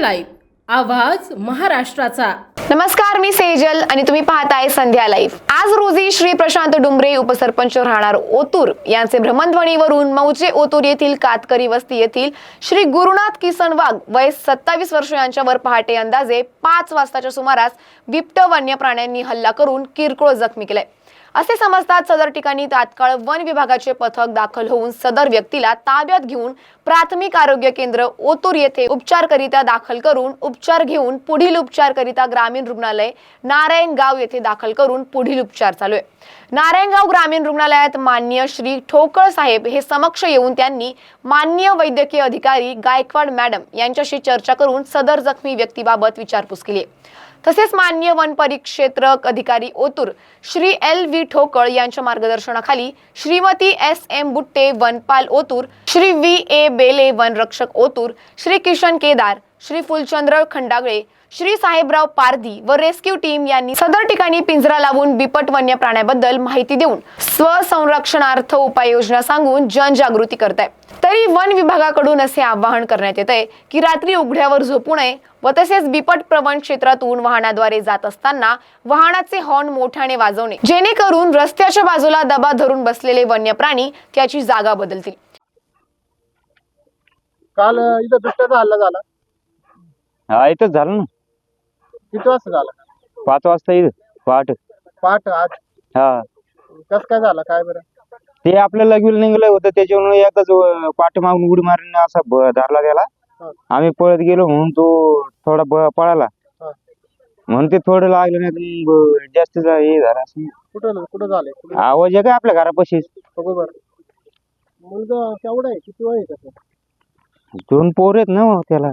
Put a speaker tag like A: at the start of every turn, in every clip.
A: Live आवाज महाराष्ट्राचा।
B: नमस्कार, मी सेजल आणि तुम्ही पाहताय संध्या लाईव्ह। आज रोजी श्री प्रशांत डुंबरे उपसरपंच राहणार ओतूर यांचे भ्रमणध्वनीवरून मौजे ओतूर येथील कातकरी वस्ती येथील श्री गुरुनाथ किसन वाघ वय 27 वर्ष यांच्यावर पहाटे अंदाजे 5 वाजताच्या सुमारास बिबट वन्य प्राण्यांनी हल्ला करून किरकोळ जखमी केले असे समजतात। सदर ठिकाणी तात्काळ वन विभागाचे पथक दाखल होऊन सदर व्यक्तीला ताब्यात घेऊन प्राथमिक आरोग्य केंद्र ओतूर येथे उपचारकरिता दाखल करून उपचार घेऊन पुढील उपचारकरिता ग्रामीण रुग्णालय नारायणगाव येथे दाखल करून पुढील उपचार चालू आहे। नारायणगाव ग्रामीण रुग्णालयात माननीय श्री ठोकळ साहेब हे समक्ष येऊन त्यांनी माननीय वैद्यकीय अधिकारी गायकवाड मॅडम यांच्याशी चर्चा करून सदर जखमी व्यक्तीबाबत विचारपूस केली। तसेच माननीय वन परिक्षेत्रक अधिकारी ओतूर श्री LV ठोकळ यांच्या मार्गदर्शनाखाली श्रीमती SM बुट्टे वनपाल ओतूर, श्री VA बेले वन रक्षक ओतूर, श्री किशन केदार, श्री फुलचंद्र खंडागळे, श्री साहेबराव पारधी व रेस्क्यू टीम यांनी सदर ठिकाणी पिंजरा लावून बिबट वन्य प्राण्याबद्दल माहिती देऊन स्वसंरक्षणार्थ उपाययोजना सांगून जनजागृती करत आहे। तरी वन विभागाकडून असे आवाहन करण्यात येत आहे की रात्री उघड्यावर झोपू नये व तसेच बिबट प्रवण क्षेत्रातून वाहनाद्वारे जात असताना वाहनाचे हॉर्न मोठ्याने वाजवणे, जेणेकरून रस्त्याच्या बाजूला दबा धरून बसलेले वन्य प्राणी त्याची जागा बदलतील।
C: काल इथं बिबट्याचा हल्ला झाला।
D: हा, इथंच झालं ना।
C: किती वाजता झाला?
D: 5 वाजता इथं
C: पहाट आज।
D: हा,
C: कसं काय झाला काय बरं?
D: ते आपलं लगविल निघलं होतं, त्याच्यामुळे एकदाच पाठीमागून उडी मारून असा धरला गेला।
C: हा.
D: आम्ही पळत गेलो म्हणून तो थोडा पळाला
C: हा.
D: म्हणून ते थोडं लागलं, नाही तर जास्त हे झालं असं।
C: कुठं झालंय?
D: आवाज आहे का आपल्या घरापाशीच?
C: बरोबर। मुलगा केवढा आहे? किती वय आहे त्याचं?
D: 2 पोर आहेत ना त्याला।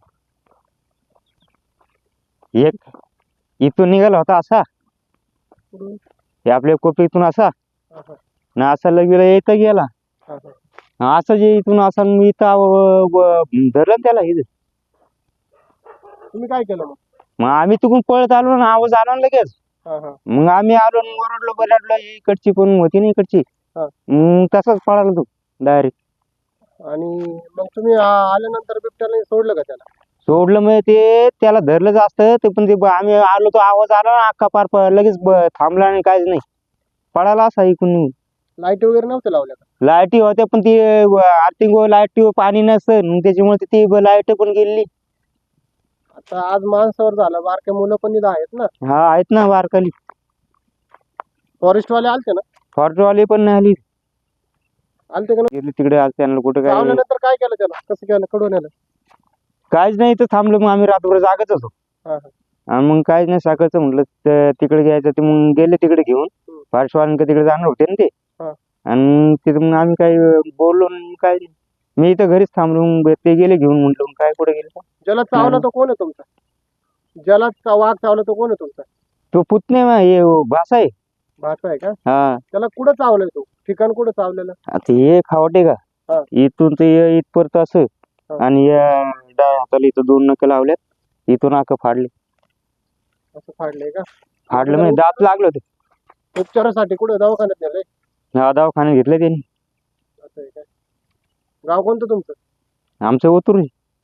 D: एक इथून निघाला होता असा,
C: कुठून?
D: हे आपल्या कोपीतून असा
C: हा, हा.
D: ना, असा लगविला येतं गेला
C: हा, हा.
D: असं जे इथून असा मी इथं धरलं ना त्याला इथं।
C: तुम्ही काय केलं मग?
D: मग आम्ही तिकडून पळत आलो ना, आवाज आला ना लगेच।
C: हा, हा.
D: मग आम्ही आलो, ओरडलो बरडलो, इकडची पण होती ना इकडची।
C: हा.
D: मग तसाच पळाला तो डायरेक्ट।
C: आणि मग तुम्ही आल्यानंतर बिबट्याने सोडलं का त्याला?
D: सोडलं मग ते त्याला धरलं जास्त ते, पण ते आम्ही आलो तो आवाज आला ना, अख्खा पार लगेच थांबला आणि काहीच नाही, पळाला असा इकडून।
C: लाईट वगैरे नव्हत्या लावल्या का?
D: लाईटी होत्या पण ती आर्थिंग लाईट पाणी नसतं, त्याच्यामुळे ती लाईट पण गेली।
C: आता आज माणसावर झालं, बारक्या मुलं पण इथं आहेत ना?
D: हा, आहेत ना बारकाली।
C: फॉरेस्ट वाले आलते ना?
D: फॉरेस्टवाले पण नाही आली,
C: आलते का?
D: गेली तिकडे आज त्यांना कुठं काय
C: चावल्यानंतर काय केलं त्याला? कसं केलं? कडून आलं?
D: काहीच नाही, तर थांबलो मग आम्ही रात्रभर जागच होतो।
C: हा, हा.
D: आणि मग काहीच नाही, सकाळचं म्हटलं तिकडे घ्यायचं, ते मग गेले तिकडे घेऊन। फॉरेस्टवाल्यांकडे तिकडे जाणार होते ना ते।
C: हा.
D: आणि तिथे मग आम्ही काही बोललो नाही, काय नाही, मी इथं घरीच थांबलो। मग ते गेले घेऊन, म्हटलं मग काय कुठे गेले?
C: ज्याला चावला तो कोण आहे तुमचा? ज्याला वाघ चावला तो कोण आहे तुमचा?
D: तो पुतणे भाषा आहे।
C: भाचा आहे का?
D: हा,
C: त्याला कुठं चावलंय? तो ठिकाण कुठं चावलेलं?
D: आता हे खावटे का
C: हा.
D: इथून ते इथपर्यंत असं,
C: हा.
D: आणि या डाव्या हाताला इथं 2 नख लावल्यात, इथून नाक फाडले।
C: असं फाडलंय का?
D: फाडलं म्हणजे दात लागलं होतं।
C: उपचारासाठी कुठे दवाखान्यात नेलंय?
D: हा, दवाखान्यात घेतलं त्यांनी।
C: असं आहे का? गाव कोणतं तुमचं?
D: आमचं ओतूर।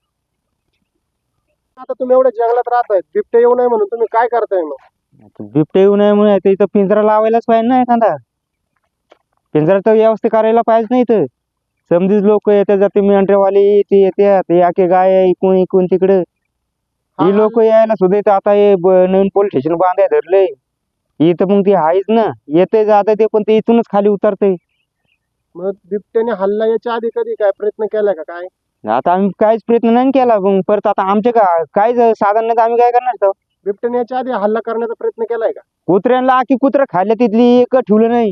C: आता तुम्ही एवढ्या जंगलात राहताय, बिबटे येऊ नये म्हणून तुम्ही काय करताय मग?
D: बिबटे येऊ नये म्हणून इथं पिंजरा लावायलाच पाहिजे ना, एखादा पिंजरा तर व्यवस्थित करायला पाहिजे नाही। तर समधीच लोक येतात जाते, मेंढरेवाली ते येतात, ते आखे गाय इकून इकून तिकडे ही लोक यायला सुद्धा इथं आता हे नवीन पोलीस स्टेशन बांधाय धरलंय इथं। मग ते आहेच ना, येते जाते ते, पण ते इथूनच खाली उतरते।
C: मग बिबट्याने हल्ला याच्या आधी कधी काय प्रयत्न केलाय का काय?
D: आता आम्ही काहीच प्रयत्न नाही केला, मग परत आता आमचे काहीच साधन नाही, तर आम्ही काय करणार तर?
C: बिबट्याने याच्या आधी हल्ला करण्याचा प्रयत्न केलाय का?
D: कुत्र्यांना आखी कुत्रा खाल्ल्या, तिथली एक ठेवलं नाही,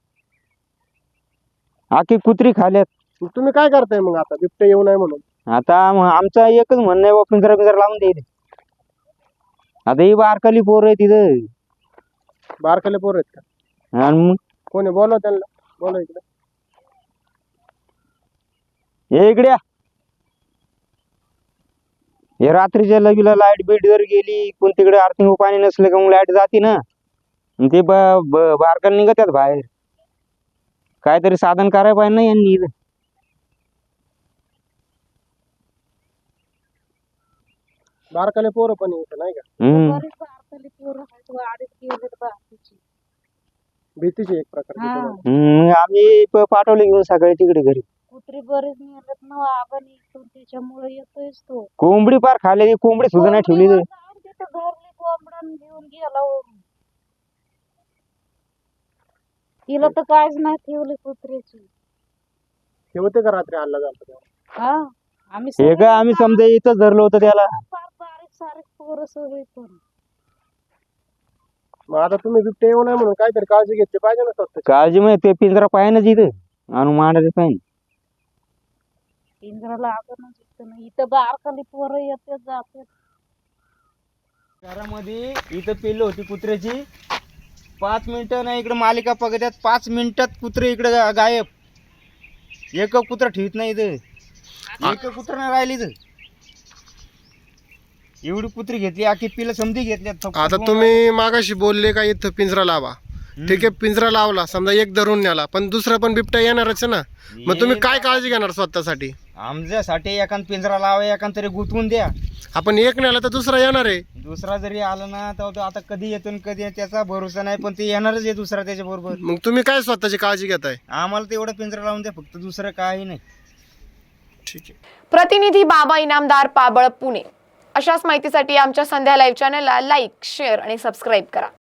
D: आखी कुत्री खाल्यात।
C: मग तुम्ही काय करताय मग आता बिबटे येऊ नये म्हणून?
D: आता आमचं एकच म्हणणं आहे, पिंजरा लावून द्यायला। आता ही बारकाली पोर आहे तिथं,
C: बारकाले पोर आहेत का?
D: आणि मग
C: कोणी बोलव त्यांना, बोलव इकडे।
D: हे इकडे हे रात्रीच्या लगीला लाईट बीट जर गेली, कोण तिकडे आर्थिंग पाणी नसलं का मग लाईट जाते ना, ते बारकाला निघतात बाहेर। काहीतरी साधन करायला पाहिजे ना यांनी इथं।
C: बारकाले पोरं पण येतं नाही का?
E: बरेच बारकाले पोरं आहेत, वाडीत गेलेत बाकीचे.
C: भीतीची एक प्रकारची
E: हा.
C: तुम्हाला.
D: मग आम्ही पाठवले घेऊन सकाळी तिकडे घरी.
E: कुत्री बरेच नेलेत ना आपण इथून, त्याच्यामुळे येतोयच तो.
D: कोंबडी पार खाल्लेली, कोंबडी सुद्धा नाही ठेवली
E: कोंबडीवर जाऊन तिथं धरली कोंबडं घेऊन गेला ओढून. तिला तर काहीच नाही ठेवले कुत्र्याची.
C: हे होते का रात्री हल्ला झाला तेव्हा?
E: हा आम्ही
D: हे
E: सगळे
D: काय आम्ही समजा इथंच धरलं होतं त्याला.
E: फार बारीक सारीक पोरं सगळे पण.
C: मग आता तुम्ही बिबटे येऊ नये म्हणून काहीतरी काळजी घेतली पाहिजे ना स्वतःची.
D: काळजी म्हणजे ते पिंजरा पाहिजे ना इथं आणून मांडायचं पाहिजे.
E: पिंजरा लागणच इथं नाही. इथं बारकाली पोरं येतात जातात.
D: घरामध्ये इथं पिल्लं होती कुत्र्याची. 5 मिनिटं नाही इकडे मालिका पकडत्यात, 5 मिनिटात कुत्रे इकडे गायब. एक कुत्रा ठेवत नाही इथं, एक कुत्रा नाही राहिली इथं. एवढी कुत्री घेतली, आखी पिल्लं समधी घेतल्यात.
C: आता तुम्ही मागाशी बोलले का इथं पिंजरा लावा, ठीक आहे पिंजरा लावला, समजा एक धरून न्याला, पण दुसरा पण बिबट्या येणारच आहे ना. मग तुम्ही काय काळजी घेणार स्वतःसाठी?
D: आमच्यासाठी एखाद पिंजरा लावा, एखाद तरी गुंतवून द्या.
C: आपण एक नेला तर दुसरा येणार आहे.
D: दुसरा जरी आला ना तर तो आता कधी येतो आणि कधी त्याचा भरोसा नाही, पण ते येणारच आहे दुसरा त्याच्या बरोबर.
C: मग तुम्ही काय स्वतःची काळजी घेताय?
D: आम्हाला तेवढा पिंजरा लावून द्या फक्त, दुसरं काही नाही.
C: ठीक आहे.
B: प्रतिनिधी बाबा इनामदार, पाबळ, पुणे. अशाच माहितीसाठी आमच्या संध्या लाईव्ह चॅनलला लाईक, शेअर आणि सबस्क्राईब करा.